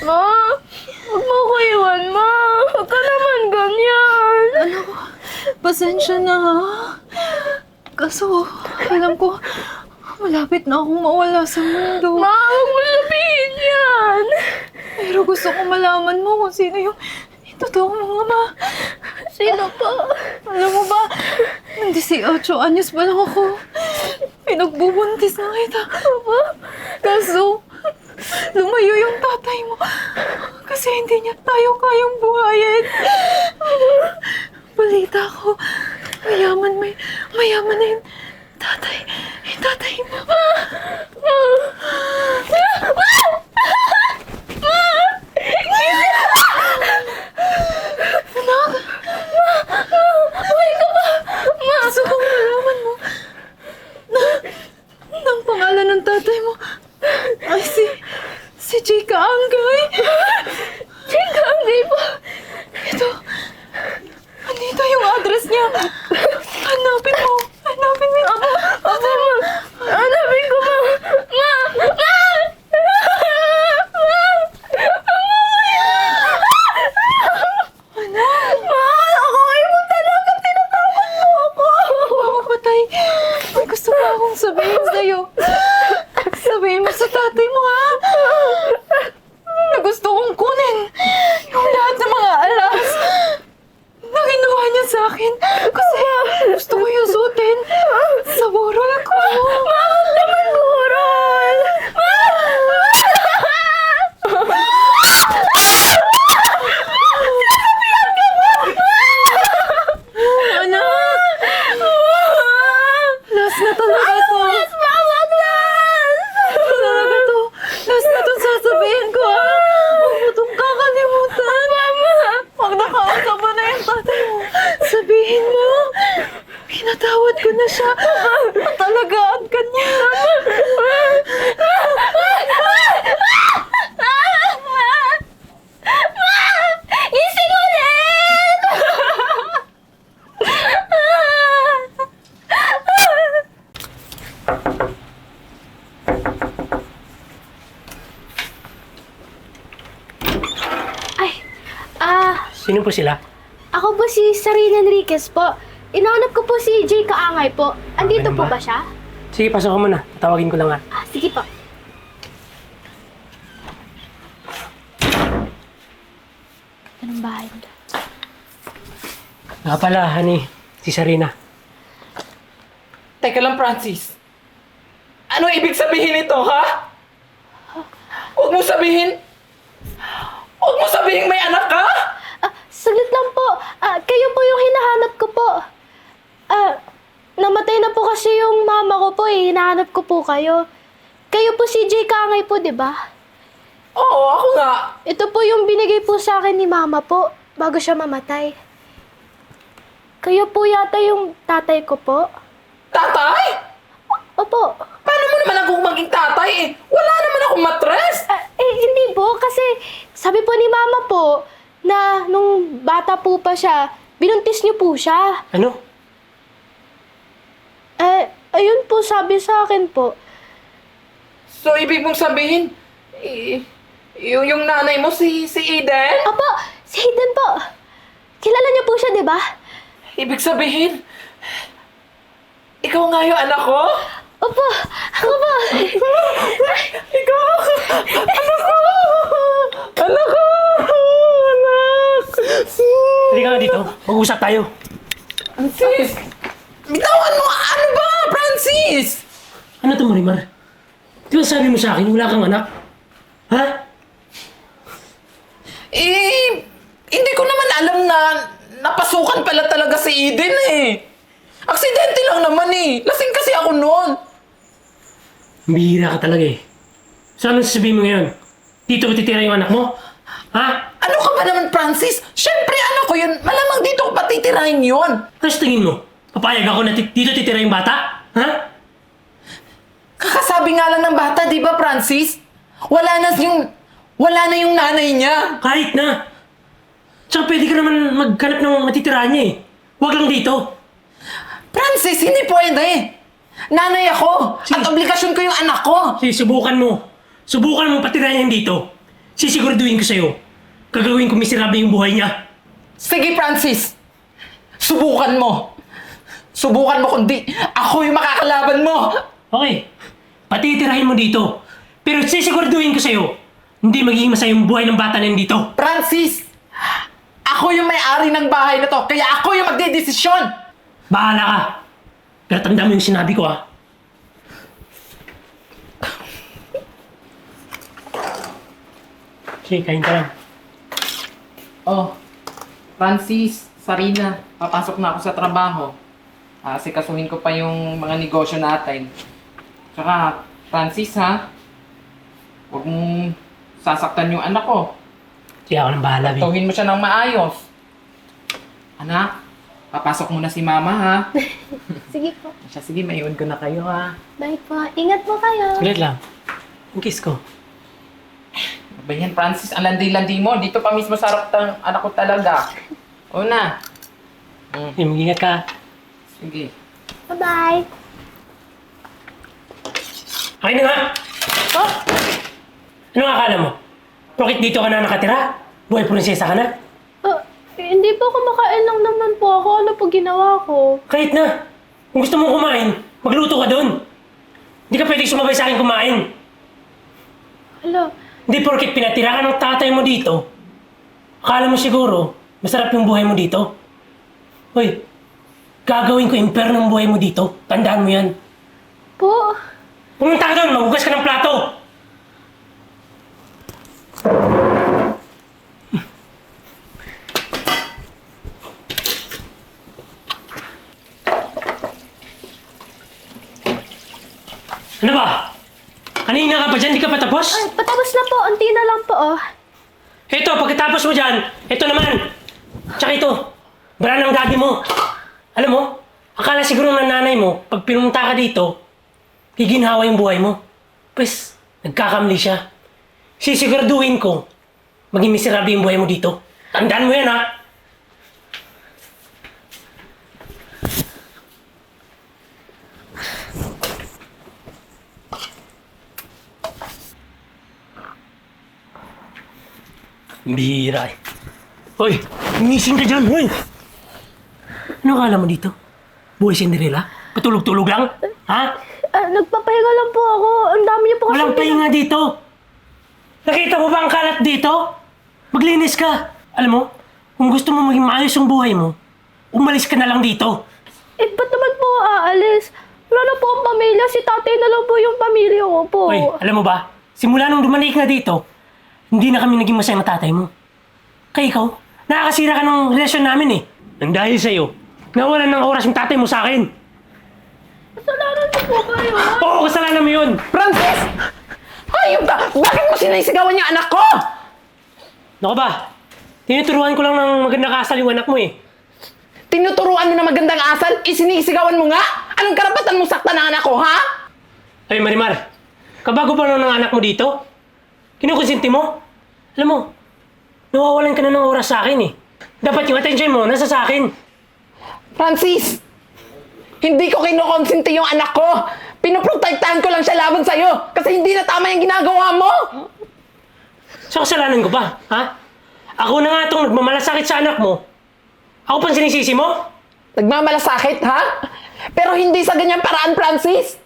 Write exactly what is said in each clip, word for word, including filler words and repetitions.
Ma, huwag mo ko iwan, Ma. Huwag ka naman ganyan. Anak ko, pasensya na ha. Kaso, alam ko, malapit na akong mawala sa mundo. Ma, huwag mo sabihin yan. Pero gusto ko malaman mo kung sino yung totoong mga ama. Sino pa? Alam mo ba, nung eighteen anyos pa lang ako, pinagbubuntis na kita. Aba? Kaso, lumayo yung tatay mo kasi hindi niya tayo kayang buhayin. Balita ko, mayaman, may, mayaman na yung tatay, yung tatay mo. Anak! Buhay ka pa! Ma! Gusto kong malaman mo na, na ang pangalan ng tatay mo ay si, si Chika Angay. Chika, hindi pa. Ito, andito yung address niya. Hanapin mo, hanapin mo. Aba, aba, Ma. Hanapin ko, Ma. Ma! Ma! Anak, Ma! Ako kayo mo talaga. Tinatawag mo ako. ako patay. May gusto pa akong sabihin sa'yo. Sabihin mo sa tatay mo, ha? Na gusto kong kunin yung lahat ng mga alas na ginawa niya sa akin. Kasi gusto ko yung suotin sa burol ko. Ma! Huwag naman burol! Ma! Anak! Last na talaga to. Mas mawag lang! Talaga to. Last na to sasabihin ko, ha? Huwag mo itong kakalimutan. Mama! Huwag nakausap mo na yung tatay mo. Sabihin mo, pinatawad ko na siya. Patalagaan ka niya. Ising ulit! Ay, ah, Sino po sila? ako po si Sarina Enriquez po. Inaanap ko po si Jay Kaangay po. Andito Ganun po ba? ba siya? Sige, pasok ka muna. Tawagin ko lang nga. Ah, sige po. Anong bahay nito? Nga pala, honey. Si Sarina. Teka lang, Francis. Ano ibig sabihin nito, ha? Huwag mo sabihin... Huwag mo sabihin may anak ka! Ah, saglit lang po. Ah, kayo po yung hinahanap ko po. Ah, namatay na po kasi yung mama ko po eh. Hinahanap ko po kayo. Kayo po si Jay Kaangay po, di ba? Oo, ako nga. Ito po yung binigay po sa akin ni mama po bago siya mamatay. Kayo po yata yung tatay ko po. Tatay? Opo. Paano mo naman ako maging tatay eh? Wala naman akong matres! Ah, eh, hindi po. Kasi sabi po ni mama po na nung bata po pa siya, binuntis niyo po siya. Ano? Eh, ayun po sabi sa akin po. So, ibig mong sabihin, eh, yung, yung nanay mo, si, si Eden? Opo, si Hayden po. Kilala niyo po siya, di ba? Ibig sabihin, ikaw nga yung anak ko? Opo, ako po. Ikaw! Anak ko! Anak ko! Anak! Halika nga dito. Mag-usap tayo. Francis! Bitawan mo! Ano ba, Francis? Ano to, Marimar? Di ba sabi mo sa akin, wala kang anak? Ha? Eh, hindi ko naman alam na napasukan pala talaga si Eden eh. Aksidente lang naman eh. Lasing kasi ako noon. Bihira ka talaga eh. So anong sasabihin mo ngayon? Dito ko titira yung anak mo? Ha? Ano ka ba naman, Francis? Siyempre, anak ko yun. Malamang dito ko patitirahin yun. Ano sa tingin mo? Papayag ako na tit- dito titira yung bata? Ha? Kakasabi nga lang ng bata, di ba, Francis? Wala na yung... Wala na yung nanay niya. Kahit na. Tsaka pwede ka naman maghanap ng matitirahan niya eh. Huwag lang dito. Francis, hindi pwede. Nanay ako. Sige. At obligasyon ko yung anak ko. Sige, subukan mo. Subukan mo patirahan yan dito. sisiguraduhin ko sa'yo, gagawin ko miserable yung buhay niya. Sige, Francis! Subukan mo! Subukan mo kundi ako yung makakalaban mo! Okay, patitirahin mo dito. Pero sisiguraduhin ko sa'yo, hindi magiging masaya yung buhay ng bata na yun dito. Francis! Ako yung may-ari ng bahay na to, kaya ako yung magdedesisyon! Bahala ka. Pero tanda mo yung sinabi ko, ha? Sige, kain ka lang. Oh, Francis, Sarina, papasok na ako sa trabaho. Ah, sikasuhin ko pa yung mga negosyo natin. Tsaka, Francis ha, huwag mong sasaktan yung anak ko. Sige, ako nang bahala, babe. Tawin mo siya ng maayos. Anak, papasok muna si mama ha. Sige po. Siya, sige, maiwan ko na kayo ha. Bye po. Ingat po kayo. Ulit lang. Yung kiss ko. Ba yan, Francis, ang landi-landi mo. Dito pa mismo sa harap ng anak ko talaga. Una. Mm, Sige, mag-ingat ka. sige. Bye-bye. Akin na nga! Oh, Ano nga akala mo? Bakit dito ka na nakatira? Buhay prinsesa ka na? oh, hindi po kumakain lang naman po ako. Ano po ginawa ko? Kahit na! Kung gusto mong kumain, magluto ka doon. Hindi ka pwedeng sumabay sa akin kumain. Hala, Hindi porket pinatira ka ng tatay mo dito, akala mo siguro, masarap yung buhay mo dito. Hoy, gagawin ko imperno ng buhay mo dito. Tandaan mo yan. po. Pumunta ka doon, maghugas ka ng plato. Ano ba? Kanina ka pa dyan, di ka pa tapos? Ay, patapos na po. Unti na lang po, oh. Ito, pagkatapos mo dyan, ito naman. Tsaka ito, bra ng daddy mo. Alam mo, akala siguro ng nanay mo, pag pinunta ka dito, higinhawa yung buhay mo. Pues, nagkakamali siya. Sisiguraduhin ko, maging miserable yung buhay mo dito. Tandaan mo yan, ha? Bira eh. Hoy, umising ka dyan, hoy! Ano akala mo dito? Buhay Cinderella? Patulog-tulog lang? Ha? Ah, nagpapahinga lang po ako. Ang dami niyo po kasi... Walang pahinga dito! Nakita mo ba ang kalat dito? Maglinis ka! Alam mo, kung gusto mo maging maayos ang buhay mo, umalis ka na lang dito. Eh, ba't naman po aalis? Wala na po ang pamilya. Si tatay na lang po yung pamilya ko po. Hoy, alam mo ba, simula nung dumalik ka dito, hindi na kami naging masaya ng tatay mo. Kaya ikaw, nakakasira ka ng relasyon namin eh. Nang dahil sa'yo, nawalan ng oras yung tatay mo sa akin. Kasalanan niyo po ba yun? Oo, kasalanan mo yun! Francis! Hayop ka! Bakit mo sinisigawan yung anak ko? Naku ba, tinuturuan ko lang ng magandang kasal yung anak mo eh. Tinuturuan mo na magandang asal, isinisigawan mo nga? Anong karapatan mong saktan ng anak ko, ha? Ay Marimar, kabago pa lang ng anak mo dito? Kinukonsinti mo? Alam mo, nawawalan ka na ng oras sa akin eh. Dapat yung attention mo nasa sa akin. Francis! Hindi ko kinukonsinti yung anak ko! Pinoprotektahan ko lang siya laban sa'yo kasi hindi na tama yung ginagawa mo! So kasalanan ko ba? Ha? Ako na nga itong nagmamalasakit sa anak mo. Ako pang sinisisi mo? Nagmamalasakit, ha? Pero hindi sa ganyang paraan, Francis!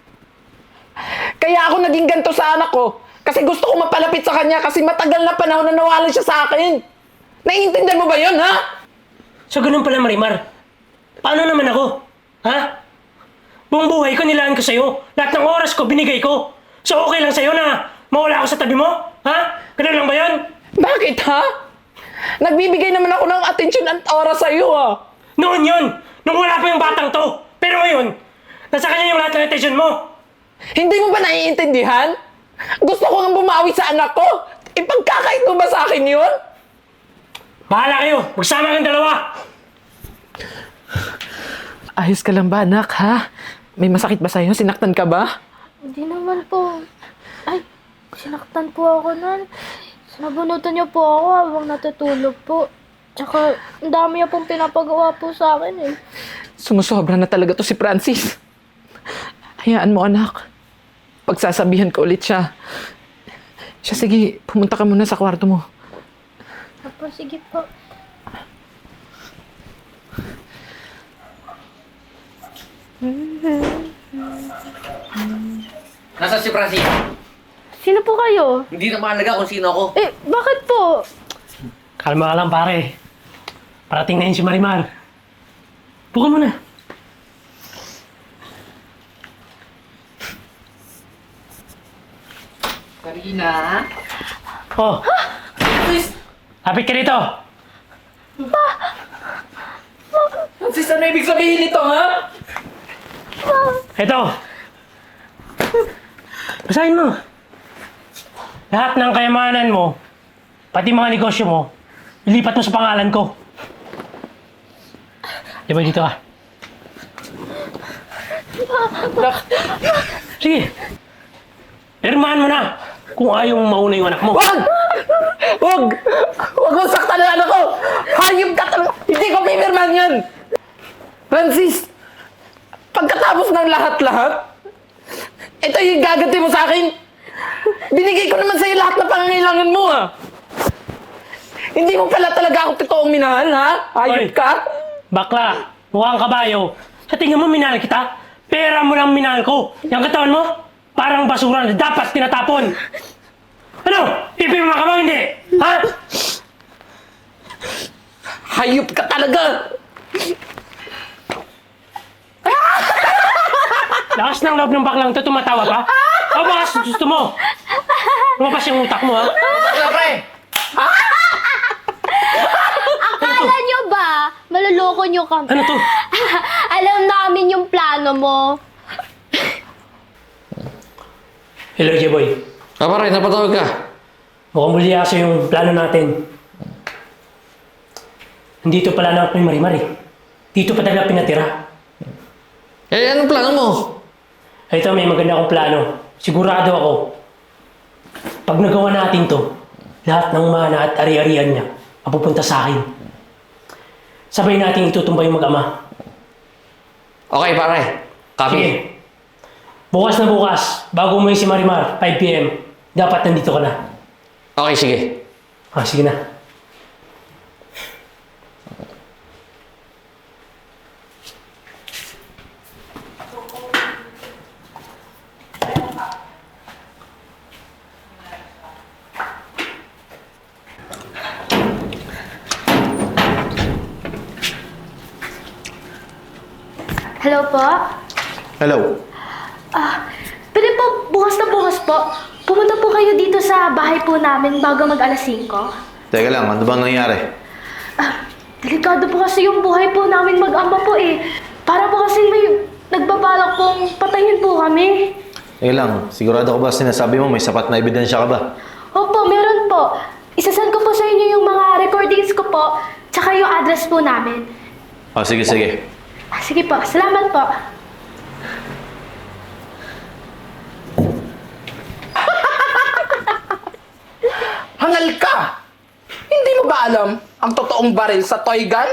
Kaya ako naging ganito sa anak ko kasi gusto ko mapalapit sa kanya kasi matagal na panahon na nawalan siya sa akin. Naiintindihan mo ba yun, ha? So ganun pala Marimar. Paano naman ako? Ha? Buong buhay ko nilaan ko sa'yo. Lahat ng oras ko binigay ko. So okay lang sa'yo na mawala ako sa tabi mo? Ha? Ganun lang ba yun? Bakit, ha? Nagbibigay naman ako ng atensyon at oras sa'yo, ha? Noon yun! Nung wala pa yung batang to! Pero ngayon, nasa kanya yung lahat ng attention mo! Hindi mo ba naiintindihan? Gusto ko nga bumawi sa anak ko. Ipagkakait mo ba sa akin yun? Bahala kayo! Magsama kang dalawa! Ayos ka lang ba, anak, ha? May masakit ba sa'yo? Sinaktan ka ba? Hindi naman po. Ay, sinaktan po ako nun. Nabunutan niyo po ako habang natutulog po. Tsaka, ang dami niya pong pinapagawa po sa akin eh. Sumusobra na talaga to si Francis. Hayaan mo, anak. Pagsasabihan ko ulit siya. Siya, sige, pumunta ka muna sa kwarto mo. Opo, sige po. Nasaan si Francis? Sino po kayo? Hindi na mahalaga kung sino ako. Eh, bakit po? Kalma ka lang, pare. Parating na yun si Marimar. Buka muna. Sarina? Oh, Francis! lapit ka dito. Francis, ano ibig sabihin nito, ha? Ito. Basahin mo. Lahat ng kayamanan mo, pati mga negosyo mo, ilipat mo sa pangalan ko. Di ba dito ka? Sige. Pirmahan mo na kung ayaw mong mauna yung anak mo. Wag! Wag! Wag mo saktan ang anak ko! Hayop ka talaga! Hindi ko pipirman yan! Francis! Pagkatapos ng lahat-lahat, ito yung gaganti mo sa akin. Binigay ko naman sa'yo lahat ng pangangailangan mo, ah. Hindi mo pala talaga ako totoong minahal, ha? Hayop Oy. ka? Bakla, mukhang kabayo. Sa tingin mo minahal kita? Pera mo lang minahal ko. Yung katawan mo, parang basura na dapat tinatapon. Ano? Pipirma ka ba hindi? Ha? Hayop ka talaga! Lakas ng loob ng baklang to, tumatawa pa? O baka gusto mo? Lumabas yung utak mo, ha? Ano, pre? Akala nyo ba? Maluloko nyo kami. Ano to? Alam namin yung plano mo. Hello, J-Boy. Ah, pare, napatawag ka. Mukhang bulyaso yung plano natin. Nandito pala na ako ni Marimar eh. Dito pa talaga pinatira. Eh, anong plano mo? Ito, may maganda akong plano. Sigurado ako. Pag nagawa natin to, lahat ng mana at ari-arian niya mapupunta sa akin. Sabay natin itutumba yung mag-ama. Okay, pare. Copy. Sige. Bukas na bukas, bago umuwi si Marimar, five p m, dapat nandito ka na. Okay, sige. Ah, sige na. Hello po? Hello. Ah, pwede po bukas na bukas po. Pumunta po kayo dito sa bahay po namin bago mag alas singko. Teka lang, ano bang nangyari? Ah, delikado po kasi yung buhay po namin mag-ama po eh. Para po kasi may nagbabalak pong patayin po kami. Teka lang, sigurado ko ba sinasabi mo may sapat na ebidensya ka ba? Opo, meron po. Isasend ko po sa inyo yung mga recordings ko po, tsaka yung address po namin. O, sige, sige. Ah, sige po, salamat po. Hangal ka! Hindi mo ba alam ang totoong baril sa toy gun?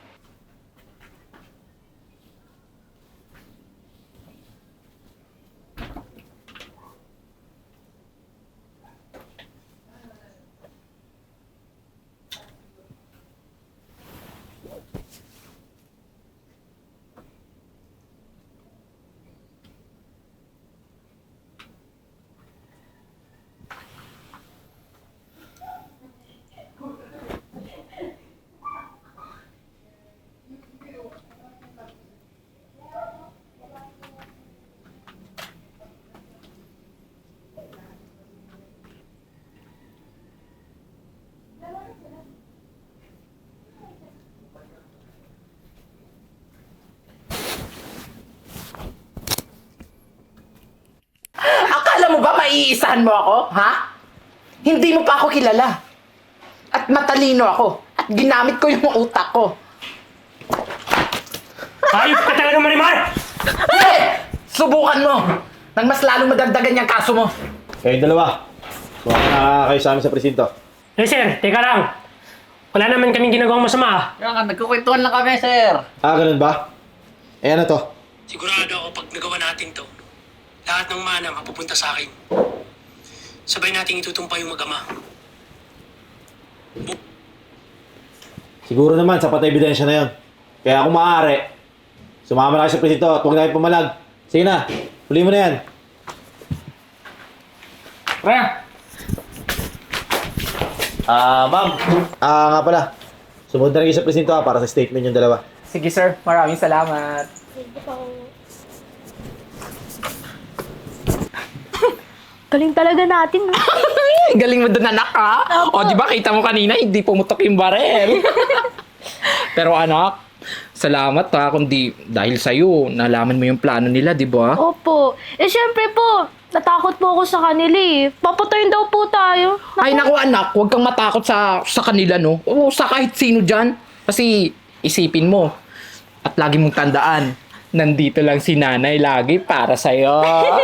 Akala mo ba maiisahan mo ako, ha? Hindi mo pa ako kilala. At matalino ako. At ginamit ko yung utak ko. Ayop ka talaga, Marimar! Eh! Subukan mo! Nang mas lalong madagdagan yung kaso mo. Kayong dalawa. Suwaka na kayo sa amin sa presinto. Eh, sir, teka lang. Wala naman kaming ginagawang masama, ah. Yan, nagkukwentuhan lang kami, sir. Ah, ganun ba? Eh, ano to? Sigurado ako pag nagawa natin to, lahat ng mana mapupunta sa akin. sabay nating itutumpa yung mag-ama. Siguro naman, sapat na ebidensya na yun. Kaya kung maaari, sumama na kayo sa presinto at huwag na kayo pumalag. Sige na, huli mo na yan. Pre! Ah, ma'am. Ah, nga pala. Sumunod na rin kayo sa presinto ha, para sa statement yung dalawa. Sige sir, maraming salamat. Galing talaga natin. no? Galing mo doon, anak, ha? O, di ba, kita mo kanina, hindi pumutok yung barel. Pero anak, salamat ha, kundi dahil sa'yo, nalaman mo yung plano nila, di ba? Opo. Eh, syempre po, natakot po ako sa kanila eh. Papatayin daw po tayo. Ay, naku anak, huwag kang matakot sa sa kanila, no? O sa kahit sino dyan. Kasi isipin mo, at lagi mong tandaan, nandito lang si nanay lagi para sa'yo.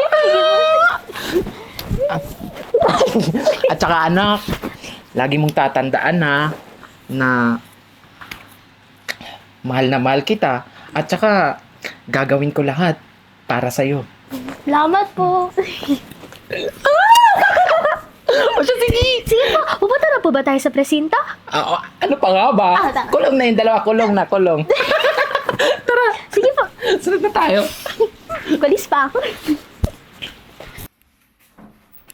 At saka anak, lagi mong tatandaan ha, na mahal na mahal kita. At saka, gagawin ko lahat para sa'yo. Salamat po. O siya, sige! Sige po, pupunta na po ba tayo sa presinto? Ah, oh, ano pa nga ba? Ah, tama. Kulong na yung dalawa, kulong na, kulong. Sige po, Sunod na tayo. kulis pa ako.